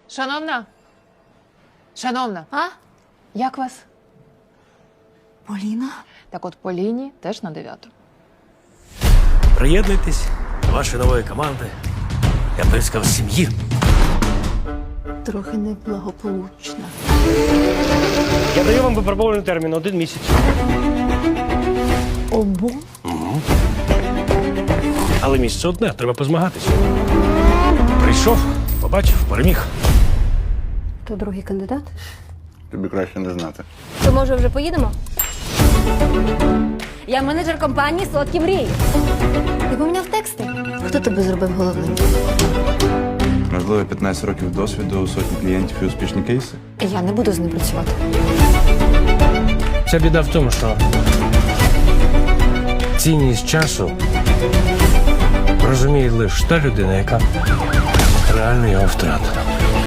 Шановна? Шановна, А? як вас? Поліна? Так от Поліні теж на 9. Приєднуйтесь до вашої нової команди. Я б сказав, сім'ї. Трохи неблагополучна. Я даю вам випробований термін 1 місяць. Обо? Але місце одне, треба позмагатися. Прийшов, побачив, переміг. То другий кандидат? Тобі краще не знати. То може вже поїдемо? Я менеджер компанії «Солодкі мрії». Ти поміняв тексти? Хто тебе зробив головним? Можливо, 15 років досвіду, сотні клієнтів і успішні кейси. Я не буду з ним працювати. Ця біда в тому, що цінність часу розуміє лише та людина, яка реально його втратила.